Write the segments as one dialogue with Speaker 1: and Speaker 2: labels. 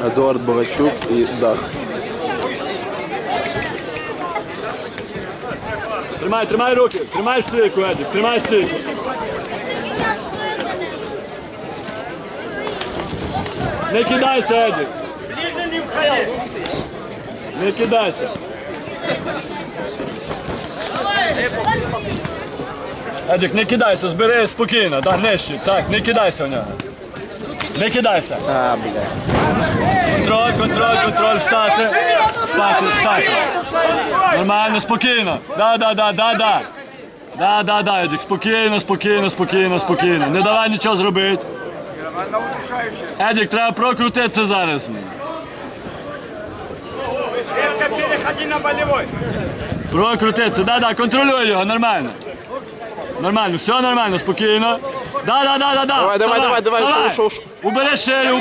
Speaker 1: Едуард Богачук і Дах.
Speaker 2: Тримай руки, тримай стійку, Едік, тримай стійку. Не кидайся, Едік. Не кидайся. Едік, не кидайся, збери спокійно, да, нижче, так, не кидайся в нього. Не кидайся. Контроль, встати. Встати. Нормально, спокійно. Да, Едік, спокійно. Не давай нічого зробити. Едік, треба прокрутитися зараз. Прокрутитися, да, контролюй його, нормально. Нормально, все нормально, спокійно. Да.
Speaker 1: Давай, шоу.
Speaker 2: Убери шею,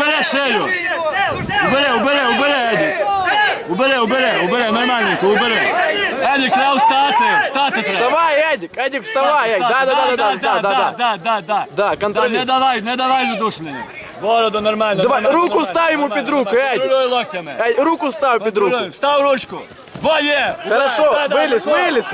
Speaker 2: Убери, Едік. Убери, нормальненько, убери. Едік, треба встати треба.
Speaker 1: Вставай, Едік, вставай. Да, контролюй.
Speaker 2: Не давай задушення. Бороду нормально.
Speaker 1: Давай, руку став йому під руку, Едік.
Speaker 2: Контролюй локтями.
Speaker 1: Руку став під руку.
Speaker 2: Встав ручку. Є.
Speaker 1: Хорошо, виліз.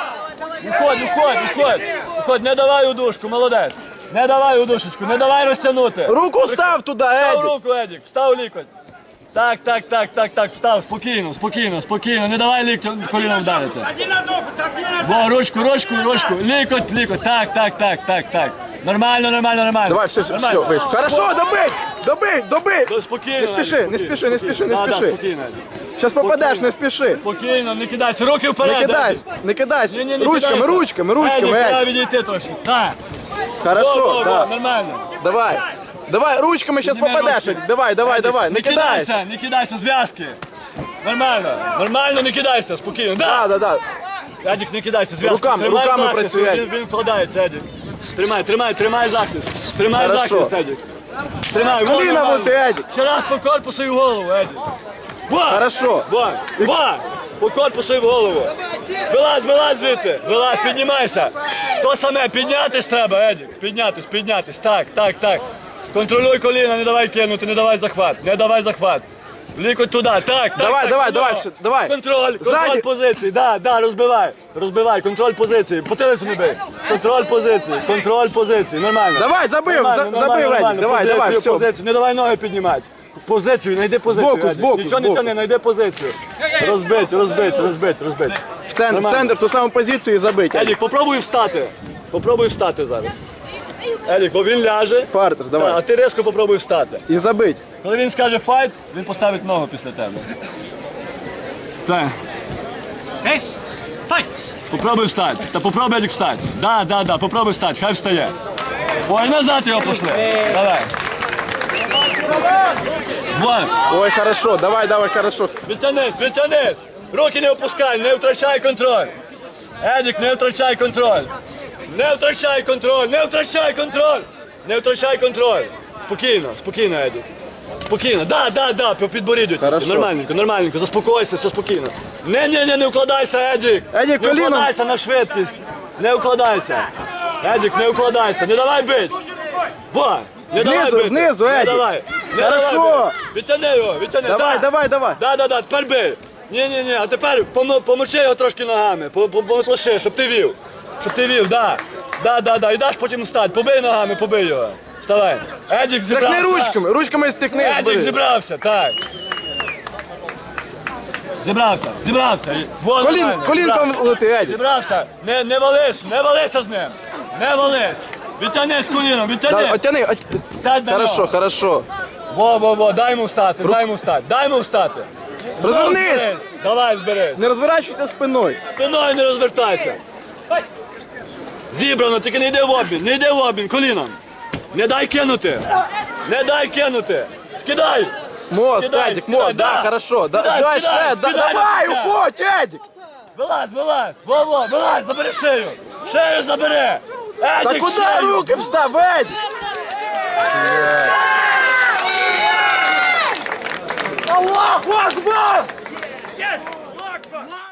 Speaker 2: Уходь, не давай удушку, молодець. Не давай удушечку, не давай розтягнути.
Speaker 1: Руку став туди,
Speaker 2: Встав
Speaker 1: Едік.
Speaker 2: руку, Едік, встав лікоть. Так, встав, спокійно, не давай коліном вдарити. Во, ручку, лікоть, так. Нормально.
Speaker 1: Давай, все, вийшов. Хорошо, добий.
Speaker 2: Спокійно.
Speaker 1: Не спіши.
Speaker 2: Спокійно.
Speaker 1: Зараз попадеш, не спіши.
Speaker 2: Спокійно, не кидайся, руки вперед.
Speaker 1: Не кидайся.
Speaker 2: Не
Speaker 1: Ручками,
Speaker 2: Едік, треба
Speaker 1: Едік.
Speaker 2: відійти трошки. Так.
Speaker 1: Хорошо, да.
Speaker 2: Нормально.
Speaker 1: Давай, ручками зараз попадеш. Давай, не кидайся.
Speaker 2: Не кидайся, зв'язки. Нормально, не кидайся, спокійно.
Speaker 1: Да.
Speaker 2: Едік, не кидайся, зв'язки.
Speaker 1: Руками працюй, Едік.
Speaker 2: Він вкладається, Едік. Тримай захист.
Speaker 1: Хорошо.
Speaker 2: Едік. Тримай,
Speaker 1: З коліна бути, Едік.
Speaker 2: Ще раз по корпусу і в голову, Едік.
Speaker 1: Хорошо.
Speaker 2: По корпусу і в голову. Вилазь звідти. Піднімайся. То саме, піднятись треба, Едік. Піднятись. Так. Контролюй коліна, не давай кинути, не давай захват. Лікоть туди, так.
Speaker 1: Давай.
Speaker 2: Контроль позиції, да, розбивай, контроль позиції, потилицю не бий. Контроль позиції, нормально.
Speaker 1: Давай, забив, Едік, давай, все.
Speaker 2: Позицію, не давай ноги піднімати. Позицію, знайди позицію.
Speaker 1: Збоку.
Speaker 2: Нічого не тяни, знайди позицію. Розбить.
Speaker 1: В центр, в ту саму позицію і забить.
Speaker 2: Едік, попробуй встати зараз. Едік, бо він ляже,
Speaker 1: Партер, давай.
Speaker 2: а ти різко попробуй встати.
Speaker 1: І забить.
Speaker 2: Коли він скаже файт, він поставить ногу після тебе. Так. Файт! Попробуй встати. Попробуй, Едік, встати. Да, попробуй встати, хай встає. Ой, назад його пошли. Давай. Вот.
Speaker 1: Ой, хорошо, давай, хорошо.
Speaker 2: Відтянись. Руки не опускай, не втрачай контроль. Едік, не втрачай контроль. Не втрачай контроль. Спокійно, Едік. Спокійно, да, по підборіддю. Нормальненько, заспокойся, все спокійно. Не вкладайся, Едік.
Speaker 1: Едік,
Speaker 2: не
Speaker 1: коліном.
Speaker 2: вкладайся на швидкість. Не вкладайся. Едік, не вкладайся, не давай бить. Во, не давай бити.
Speaker 1: Знизу,
Speaker 2: Не
Speaker 1: Едік.
Speaker 2: давай.
Speaker 1: Хорошо.
Speaker 2: Відтяни його.
Speaker 1: Давай.
Speaker 2: Да, тепер бий. Ні, а тепер помочи його трошки ногами, помотлоши, щоб ти вів, да. І даш потім встати, побий його. Вставай. Едік зібрався.
Speaker 1: Стряхни ручками стикни.
Speaker 2: Едік зібрався, так. Зібрався. Вот,
Speaker 1: Колінком лети, Едік.
Speaker 2: Зібрався. Не валися з ним. Не вались. Відтяни з коліном, відтяни.
Speaker 1: Оттяни.
Speaker 2: Сядь на нього.
Speaker 1: Хорошо.
Speaker 2: Во, дай йому встати.
Speaker 1: Розвернись.
Speaker 2: Давай, зберись.
Speaker 1: Не розворачуйся спиною.
Speaker 2: Спиною не розвертайся. Зібрано, тільки не йди в обмін, коліном. Не дай кинути. Скидай.
Speaker 1: Мост, Едік, мост, да, хорошо. Давай ще, давай, уходь, Едік.
Speaker 2: Вилазь, забери шею. Шею забери.
Speaker 1: Та куди руки встав, Едік? Аллаху Акбар!